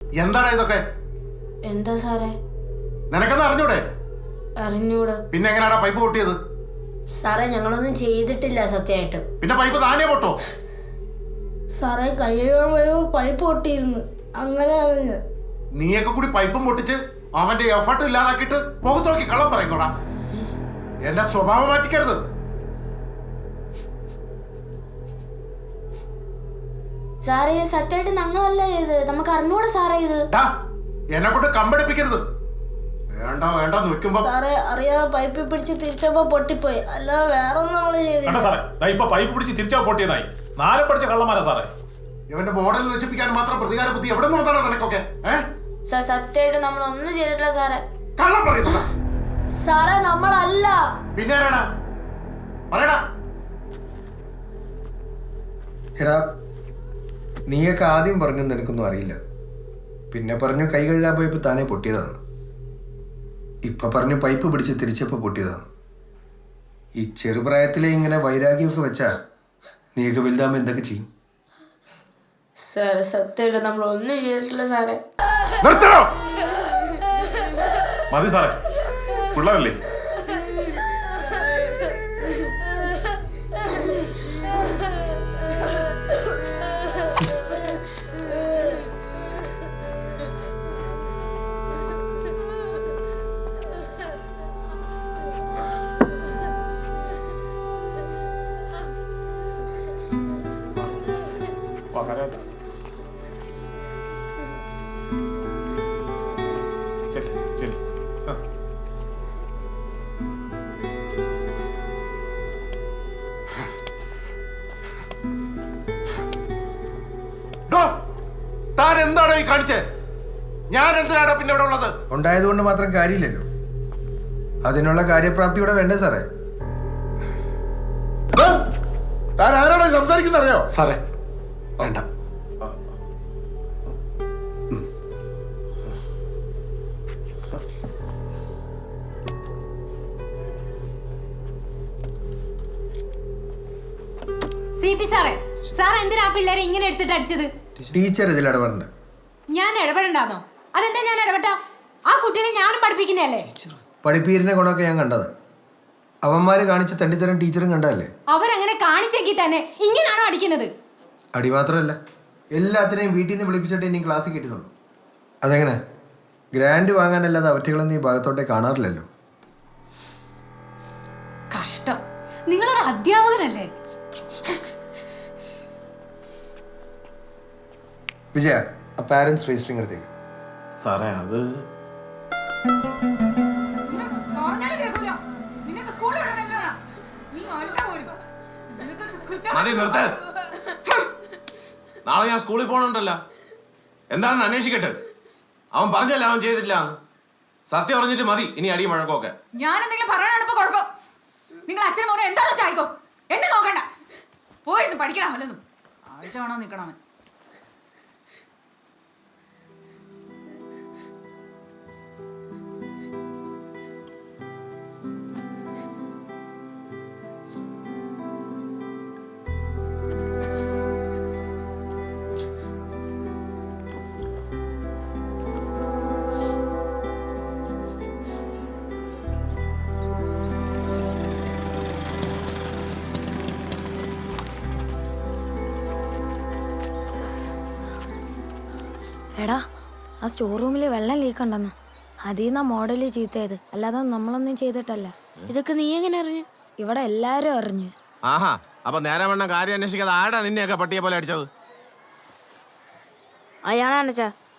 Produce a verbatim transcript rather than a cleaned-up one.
എന്താണ് ഇതൊക്കെ? എന്താ സാറേ? നിനക്കെന്താ അറിഞ്ഞൂടെ? അറിഞ്ഞൂടാ. പിന്നെ എങ്ങനെയാടാ പൈപ്പ് പൊട്ടിയത്? സാറേ ഞങ്ങളൊന്നും ചെയ്തിട്ടില്ല സത്യമായിട്ട്. പിന്നെ പൈപ്പ് താനേ പൊട്ടോ? സാറേ കൈ കഴുകാൻ പോയപ്പോ പൈപ്പ് പൊട്ടിയിരുന്നു, അങ്ങനെയാണ് ഞാൻ. നീയൊക്കെ കൂടി പൈപ്പും പൊട്ടിച്ച് അവന്റെ എഫർട്ട് ഇല്ലാതാക്കിയിട്ട് മുഖത്ത് നോക്കി കള്ളം പറയുന്നോടാ. എന്റെ സ്വഭാവം മാറ്റിക്കരുത്. സാറേ സത്യമായിട്ട് ഞങ്ങളല്ല ഇത്, നമുക്ക് അറിഞ്ഞൂടാ സാറേ ഇത്. എന്നെ കൊണ്ട് കമ്പടിപ്പിക്കരുത്. വേണ്ട വേണ്ട നിൽക്കുമ്പോ സാറേ അറിയാതെ പൈപ്പ് പിടിച്ച് തിരിച്ചപ്പോ പൊട്ടിപ്പോയി, അല്ലാതെ വേറെ ഒന്നും നമ്മള് ചെയ്തില്ല. ഇപ്പൊ പൈപ്പ് പിടിച്ച് തിരിച്ചാ പൊട്ടിയതായി. നാലും പഠിച്ച കള്ളന്മാരാ സാറേ. ഇവന്റെ മോഡൽ നശിപ്പിക്കാൻ മാത്രം പ്രതികാര ബുദ്ധി എവിടെ നിന്ന് വന്നാണ് നിനക്കൊക്കെ? സാർ സത്യമായിട്ട് നമ്മളൊന്നും ചെയ്തിട്ടില്ല സാറേ. കള്ളം പറയുന്ന സാറേ നമ്മളല്ല. പിന്നെ ആരാടാ? പറയടാ. എടാ നീയൊക്കെ ആദ്യം പറഞ്ഞു നിനക്കൊന്നും അറിയില്ല, പിന്നെ പറഞ്ഞു കൈ കഴുകാൻ പോയപ്പോ താനേ പൊട്ടിയതാണ്, ഇപ്പൊ പറഞ്ഞു പൈപ്പ് പിടിച്ച് തിരിച്ചപ്പോ പൊട്ടിയതാണ്. ഈ ചെറുപ്രായത്തിലെ ഇങ്ങനെ വൈരാഗ്യമൊക്കെ വെച്ചാ നീയൊക്കെ വലുതാകുമ്പോ എന്തൊക്കെ ചെയ്യും? സാറേ സത്യമായിട്ട് നമ്മളൊന്നും ചെയ്തിട്ടില്ല സാറേ. മതി സാറേ, പിള്ളേരല്ലേ. താൻ എന്താണോ ഈ കാണിച്ചേ? ഞാൻ എന്തിനാണ് പിന്നെ ഇവിടെ ഉള്ളത്? ഉണ്ടായതുകൊണ്ട് മാത്രം കാര്യമില്ലല്ലോ, അതിനുള്ള കാര്യപ്രാപ്തി ഇവിടെ വേണ്ടേ സാറേ? താൻ ആരാണോ സംസാരിക്കുന്നത് അറിയോ? സാറേ വേണ്ട. സി പി സാറേ, സാർ എന്തിനാ പിള്ളേരെ ഇങ്ങനെ എടുത്തിട്ട് അടിച്ചത്? ടീച്ചർ ഇതിൽ ഇടപെടണ്ട. ഞാൻ ഇടപെടണ്ടാന്നോ? അതെന്താ ഞാൻ ഇടപെട്ടാ? ആ കുട്ടികളെ ഞാനും പഠിപ്പിക്കുന്നതല്ലേ. പഠിപ്പീരിനെ കൊണ്ടൊക്കെ ഞാൻ കണ്ടത്, അവന്മാര് കാണിച്ച് തണ്ടിത്തരം ടീച്ചറും കണ്ടതല്ലേ. അവരങ്ങനെ കാണിച്ചെങ്കിൽ തന്നെ ഇങ്ങനാണോ അടിക്കുന്നത്? അടി മാത്രമല്ല, എല്ലാത്തിനെയും വീട്ടിൽ നിന്ന് വിളിപ്പിച്ചിട്ട് ഇനി ക്ലാസ്സിൽ കയറ്റുന്നുള്ളൂ. അതെങ്ങനെ? ഗ്രാൻഡ് വാങ്ങാനല്ലാതെ അവറ്റകളൊന്നും ഈ ഭാഗത്തോട്ടേ കാണാറില്ലല്ലോ. കഷ്ടം, നിങ്ങളൊരു അധ്യാപകനല്ലേ? വിജയ, ആ പാരന്റ്സ് രജിസ്റ്ററിംഗ് എടുത്തേക്ക്. സാറേ അത് മതി നിർത്ത്. നാളെ ഞാൻ സ്കൂളിൽ പോകണുണ്ടല്ലോ. എന്താണെന്ന് അന്വേഷിക്കട്ടെ. അവൻ പറഞ്ഞല്ല അവൻ ചെയ്തിട്ടില്ല. സത്യം അറിഞ്ഞിട്ട് മതി ഇനി അടി മഴക്കൊക്കെ. ഞാൻ എന്തെങ്കിലും പറയാനാണ് ഇപ്പൊ കുഴപ്പം. നിങ്ങൾ അച്ഛനും മോനും എന്താണെന്ന് വെച്ചായിക്കോ, എന്നെ നോക്കണ്ട. പോയിരുന്നു പഠിക്കണം വല്ലതും. ആഴ്ച വേണോ നിൽക്കണം. എടാ ആ സ്റ്റോർ റൂമിൽ വെള്ളം ലീക്ക് ഉണ്ടെന്ന്, അതിൽ നിന്നാ മോഡല് ചീത്തയത്, അല്ലാതെ നമ്മളൊന്നും ചെയ്തിട്ടല്ല. ഇതൊക്കെ നീ എങ്ങനെ അറിഞ്ഞു? ഇവിടെ എല്ലാരും അറിഞ്ഞു. ആഹാ, അപ്പൊ നേരെ വേണ്ട കാര്യം അന്വേഷിക്കാതെ ആടാ നിന്നെയൊക്കെ പട്ടിയെ പോലെ അടിച്ചത്? അയാളാണ് ചാ